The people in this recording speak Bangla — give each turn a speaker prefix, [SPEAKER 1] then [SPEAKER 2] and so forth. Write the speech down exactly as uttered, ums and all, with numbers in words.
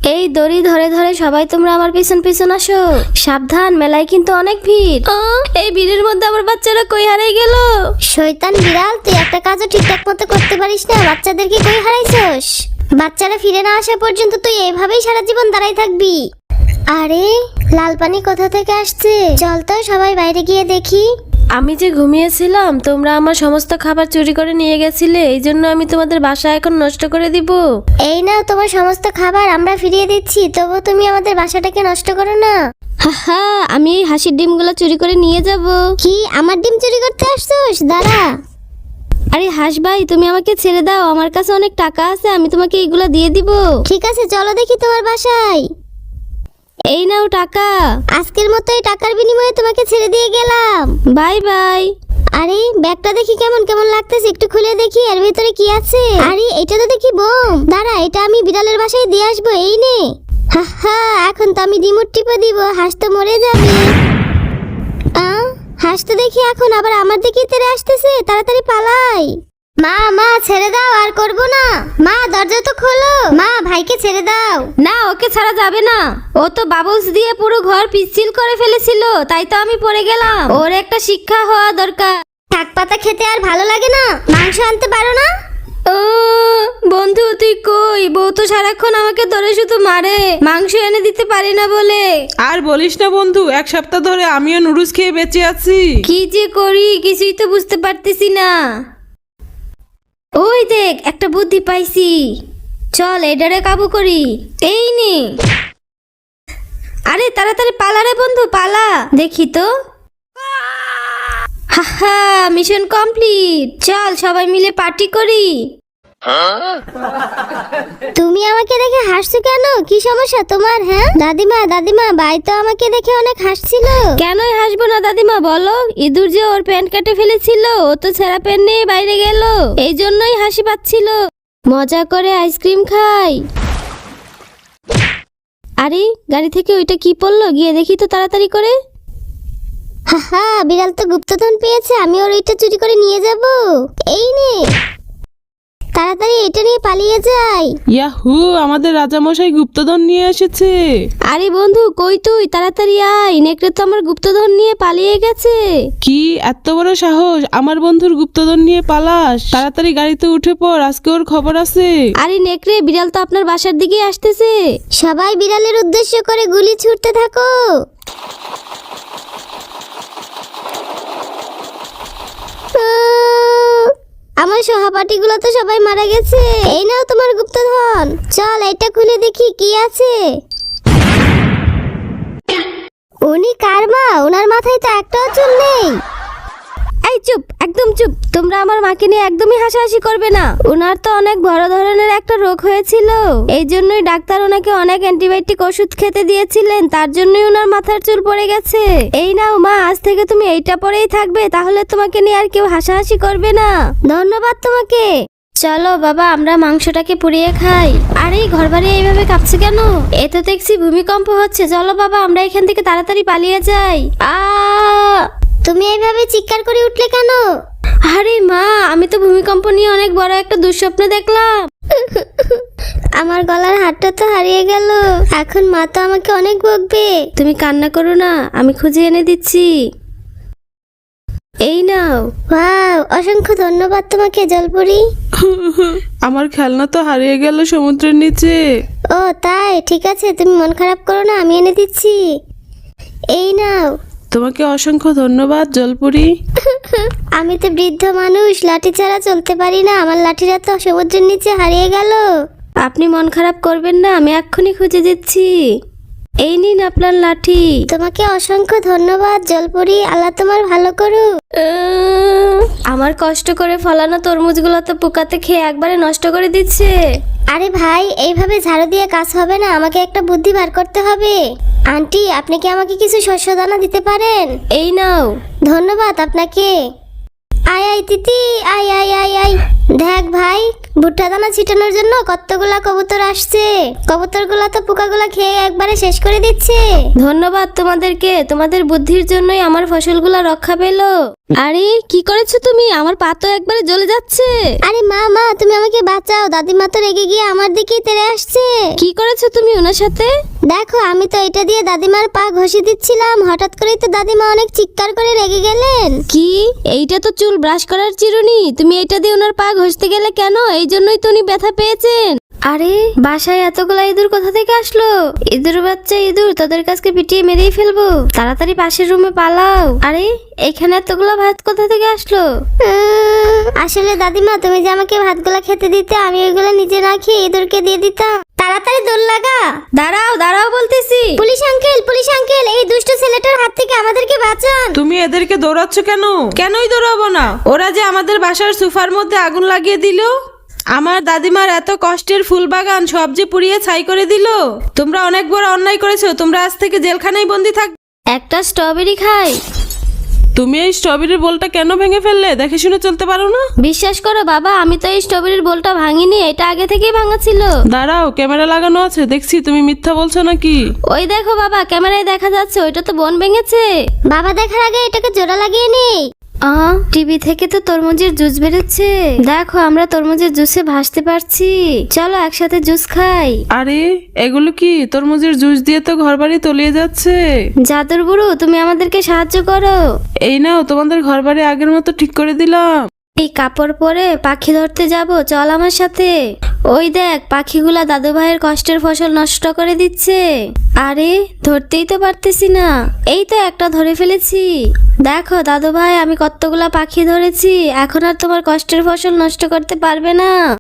[SPEAKER 1] এই দড়ি ধরে ধরে সবাই তোমরা আমার পিছন পিছন আসো। সাবধান, মেলায় কিন্তু অনেক ভিড়। আহ, এই ভিড়ের মধ্যে আমার বাচ্চারা কই হারাই গেল?
[SPEAKER 2] শয়তান বিড়াল, তুই একটা কাজও ঠিকঠাক মতো করতে পারিস না, বাচ্চাদেরকে কই হারাইছস? বাচ্চারা ফিরে না আসা পর্যন্ত তুই এইভাবেই সারা জীবন দাঁড়াই থাকবি। আরে লাল পানি কোথা থেকে আসছে? চল তো সবাই বাইরে গিয়ে দেখি।
[SPEAKER 1] আমি যে ঘুমিয়েছিলাম, তোমরা আমার সমস্ত খাবার চুরি করে নিয়ে গেছিলে, এই জন্য আমি তোমাদের বাসা এখন নষ্ট করে দিব।
[SPEAKER 2] এই নাও তোমার সমস্ত খাবার, আমরা ফিরিয়ে দিচ্ছি, তবু তুমি আমাদের বাসাটাকে নষ্ট করো না।
[SPEAKER 1] হা, আমি এই হাসির ডিমগুলো চুরি করে নিয়ে যাব।
[SPEAKER 2] কি আমার ডিম চুরি করতে আসছস? দাঁড়া।
[SPEAKER 1] আরে হাস ভাই, তুমি আমাকে ছেড়ে দাও, আমার কাছে অনেক টাকা আছে, আমি তোমাকে এইগুলা দিয়ে দিব।
[SPEAKER 2] ঠিক আছে, চলো দেখি তোমার বাসায়।
[SPEAKER 1] এই নাও টাকা।
[SPEAKER 2] আজকের মতো এই টাকার বিনিময়ে তোমাকে ছেড়ে দিয়ে গেলাম।
[SPEAKER 1] Bye bye.
[SPEAKER 2] আরে ব্যাগটা দেখি কেমন কেমন লাগতেছে, একটু খুলে দেখি এর ভিতরে কি আছে। আরে এটা তো দেখি বোম। দাঁড়া, এটা আমি বিড়ালের বাসায় দিয়ে আসবো। এই নে। হা হা, এখন তো আমি রিমোট টিপে দিব, হাঁস তো মরে যাবে। আ হাঁস তো দেখি এখন আবার আমার দিকে তেড়ে আসতেছে, তাড়াতাড়ি পালাই। মা মা ছেড়ে দাও, আর করব না। মা দরজা তো খোলো। মা ভাইকে ছেড়ে দাও।
[SPEAKER 1] না, ওকে ছাড়া যাবে না। ও তো বাবলস দিয়ে পুরো ঘর পিচ্ছিল করে ফেলেছিল, তাই তো আমি পড়ে গেলাম। ওর একটা শিক্ষা হওয়া দরকার।
[SPEAKER 2] শাক পাতা খেতে আর ভালো লাগে না? মাংস আনতে পারো না?
[SPEAKER 1] ও বন্ধু, তুই কই? বউ তো সারাক্ষণ আমাকে ধরে শুধু মারে, মাংস এনে দিতে পারি না বলে।
[SPEAKER 3] আর বলিস না বন্ধু, এক সপ্তাহ ধরে আমিও নুডলস খেয়ে বেঁচে আছি।
[SPEAKER 1] কি যে করি কিছুই তো বুঝতে পারতেছি না। ওই দেখ, একটা বুদ্ধি পাইছি, চল এডারে কাবু করি। এই নে। আরে তাড়াতাড়ি পালা রে বন্ধু, পালা। দেখি তো। হাহা, মিশন কমপ্লিট। চল সবাই মিলে পার্টি করি।
[SPEAKER 2] তুমি আমাকে দেখে হাসছো কেন? কি সমস্যা তোমার? হ্যাঁ দাদিমা, দাদিমা ভাই তো আমাকে দেখে অনেক হাসছিল।
[SPEAKER 1] কেনই হাসবো না দাদিমা, বলো। ইঁদুর যে ওর প্যান্ট কেটে ফেলেছিল, ও তো ছেঁড়া প্যান্ট নিয়ে বাইরে গেল, এই জন্যই হাসি পাচ্ছিল। মজা করে আইসক্রিম খাই। আরে গাড়ি থেকে ওইটা কি পড়লো? গিয়ে দেখি তো তাড়াতাড়ি করে।
[SPEAKER 2] হাহা, বিড়াল তো গুপ্তধন পেয়েছে, আমি ওর ওইটা চুরি করে নিয়ে যাব। এই নে, তাড়াতাড়ি এটা নিয়ে পালিয়ে যাই।
[SPEAKER 3] ইয়াহু, আমাদের রাজামশাই গুপ্তধন নিয়ে এসেছে।
[SPEAKER 1] আরে বন্ধু কই তুই? তাড়াতাড়ি আয়, নেকড়ে তো আমার গুপ্তধন নিয়ে পালিয়ে গেছে।
[SPEAKER 3] কি এত বড় সাহস, আমার বন্ধুর গুপ্তধন নিয়ে পালাস? তাড়াতাড়ি গাড়িতে উঠে পড়, আজকে ওর খবর আছে।
[SPEAKER 1] আরে নেকড়ে, বিড়াল তো আপনার বাসার দিকে আসতেছে।
[SPEAKER 2] সবাই বিড়ালের উদ্দেশ্য করে গুলি ছুটতে থাকো। আহ, আমার সহপাঠীগুলো তো সবাই মারা গেছে। এই নাও তোমার গুপ্তধন। চল এটা খুলে দেখি কি আছে। উনি কার মা? ওনার মাথায় তো একটাও চুল নেই।
[SPEAKER 1] এই চুপ, একদম চুপ। তোমরা আমার মাকে নিয়ে একদমই হাসাহাসি করবে না। ওনার তো অনেক বড় ধরনের একটা রোগ হয়েছিল, এই জন্যই ডাক্তার ওনাকে অনেক অ্যান্টিবায়োটিক ওষুধ খেতে দিয়েছিলেন, তার জন্যই ওনার মাথার চুল পড়ে গেছে। এই নাও মা, আজ থেকে তুমি এইটা পরেই থাকবে, তাহলে তোমাকে নিয়ে আর কেউ হাসাহাসি করবে না।
[SPEAKER 2] ধন্যবাদ তোমাকে।
[SPEAKER 1] চলো বাবা, আমরা মাংসটাকে পুড়িয়ে খাই। আরে ঘর বাড়ি এইভাবে কাঁপছে কেন? এ তো দেখছি ভূমিকম্প হচ্ছে। চলো বাবা, আমরা এখান থেকে তাড়াতাড়ি পালিয়ে যাই। আ
[SPEAKER 2] তুমি এইভাবে চিৎকার করে উঠলে কেন?
[SPEAKER 1] আরে মা, আমি তো ভূমিকম্প নিয়ে অনেক বড় একটা দুঃস্বপ্ন দেখলাম।
[SPEAKER 2] আমার গলার হাড়টা তো হারিয়ে গেল, এখন মা তো আমাকে অনেক বকবে।
[SPEAKER 1] তুমি কান্না করো না, আমি খুঁজে এনে দিচ্ছি। এই নাও।
[SPEAKER 2] ওয়াও, অসংখ্য ধন্যবাদ তোমাকে জলপরি।
[SPEAKER 3] আমার খেলনা তো হারিয়ে গেল সমুদ্রের নিচে।
[SPEAKER 2] ও তাই, ঠিক আছে, তুমি মন খারাপ করো না, আমি এনে দিচ্ছি। এই নাও।
[SPEAKER 3] তোমাকে অসংখ্য ধন্যবাদ জলপুরি।
[SPEAKER 2] আমি তো বৃদ্ধ মানুষ, লাঠি ছাড়া চলতে পারি না, আমার লাঠিটা তো সমুদ্রের নিচে হারিয়ে গেল।
[SPEAKER 1] আপনি মন খারাপ করবেন না, আমি এক্ষুনি খুঁজে দিচ্ছি। এই নিন আপনার লাঠি।
[SPEAKER 2] তোমাকে অসংখ্য ধন্যবাদ জলপরি, আল্লাহ তোমার ভালো করুক।
[SPEAKER 1] আহ, আমার কষ্ট করে ফলানো তরমুজগুলো তো পোকাতে খেয়ে একবারে নষ্ট করে দিচ্ছে।
[SPEAKER 2] আরে ভাই, এইভাবে ঝাড়ু দিয়ে কাজ হবে না, আমাকে একটা বুদ্ধি বার করতে হবে। আন্টি, আপনি কি আমাকে কিছু শস্য দানা দিতে পারেন?
[SPEAKER 1] এই নাও।
[SPEAKER 2] ধন্যবাদ আপনাকে। আয় আয় তিতি, আয় আয় আয় আয়। দেখ ভাই, ভুট্টা দানা ছিটানোর জন্য কতগুলা কবুতর আসছে। কবুতরগুলা তো পোকাগুলা খেয়ে একবারে শেষ করে দিচ্ছে।
[SPEAKER 1] ধন্যবাদ তোমাদেরকে, তোমাদের বুদ্ধির জন্যই আমার ফসলগুলো রক্ষা পেলো। আরে কি করেছো তুমি? আমার পা তো একবারে জ্বলে যাচ্ছে।
[SPEAKER 2] আরে মা মা তুমি আমাকে বাঁচাও, দাদিমা তো রেগে গিয়ে আমার দিকেই তেড়ে আসছে।
[SPEAKER 1] কি করেছো তুমি ওনার সাথে?
[SPEAKER 2] দেখো আমি তো এটা দিয়ে দাদিমার পা ঘষে দিচ্ছিলাম, হঠাৎ করেই তো দাদিমা অনেক চিৎকার করে রেগে গেলেন।
[SPEAKER 1] কি? এইটা তো চুল ব্রাশ করার চিরুনি, তুমি এটা দিয়ে ওনার পা ঘষতে গেলে কেন? এই জন্যই তো উনি ব্যথা পেয়েছেন। আরে বাসায় এতগুলা ইঁদুর কোথা থেকে আসলো? ইঁদুর বাচ্চা ইঁদুর, তোদের কাছকে পিটিয়ে মেরেই ফেলবো। তাড়াতাড়ি পাশের রুমে পালাও। আরে এখানে এতগুলা ভাত কোথা থেকে আসলো?
[SPEAKER 2] উম, আসলে দাদিমা তুমি যে আমাকে ভাতগুলা খেতে দিতে, আমি ওইগুলো নিজে না খেয়ে ইঁদুরকে দিয়ে দিতাম। তাড়াতাড়ি দৌড় লাগা।
[SPEAKER 1] দাঁড়াও দাঁড়াও বলতেছি।
[SPEAKER 2] পুলিশ আঙ্কেল, পুলিশ আঙ্কেল, এই দুষ্ট ছেলেটার হাত থেকে আমাদেরকে বাঁচান।
[SPEAKER 3] তুমি এদেরকে দৌড়াচ্ছ কেন? কেনই দৌড়াবো না? ওরা যে আমাদের বাসার সোফার মধ্যে আগুন লাগিয়ে দিল, আমার দাদিমার এত কষ্টের ফুল বাগান সব যে পুড়িয়ে ছাই করে দিল। তোমরা অনেক বড় অন্যায় করেছো, তোমরা আজ থেকে জেলখানায় বন্দি থাকবে।
[SPEAKER 1] একটা স্ট্রবেরি খাই।
[SPEAKER 3] তুমি এই স্ট্রবেরির বোলটা কেন ভেঙে ফেললে? দেখে শুনে চলতে পারো না?
[SPEAKER 1] বিশ্বাস করো বাবা, আমি তো এই স্ট্রবেরির বোলটা ভাঙিনি, এটা আগে থেকেই ভাঙা ছিল।
[SPEAKER 3] দাঁড়াও, ক্যামেরা লাগানো আছে, দেখছি তুমি মিথ্যা বলছো নাকি।
[SPEAKER 1] ওই দেখো বাবা, ক্যামেরায় দেখা যাচ্ছে, ওইটা তো বোন ভেঙেছে।
[SPEAKER 2] বাবা দেখার আগে এটাকে জোড়া লাগিয়ে নেই।
[SPEAKER 1] আহ টিভি থেকে তো তরমুজের জুস বেরোচ্ছে। দেখো আমরা তরমুজের জুসে ভাসতে পারছি। চলো একসাথে জুস খাই।
[SPEAKER 3] আরে এগুলো কি? তরমুজের জুস দিয়ে তো ঘরবাড়ি তলিয়ে যাচ্ছে।
[SPEAKER 1] জাদুর বুড়ো, তুমি আমাদেরকে সাহায্য করো।
[SPEAKER 3] এই নাও, তোমাদের ঘরবাড়ি আগের মতো ঠিক করে দিলাম।
[SPEAKER 1] এই কাপড় পরে পাখি ধরতে যাব, চল আমার সাথে। ওই দেখ, পাখিগুলা দাদু ভাইয়ের কষ্টের ফসল নষ্ট করে দিচ্ছে। আরে ধরতেই তো পারতেছি না। এই তো একটা ধরে ফেলেছি। দেখো দাদু ভাই, আমি কতগুলা পাখি ধরেছি, এখন আর তোমার কষ্টের ফসল নষ্ট করতে পারবে না।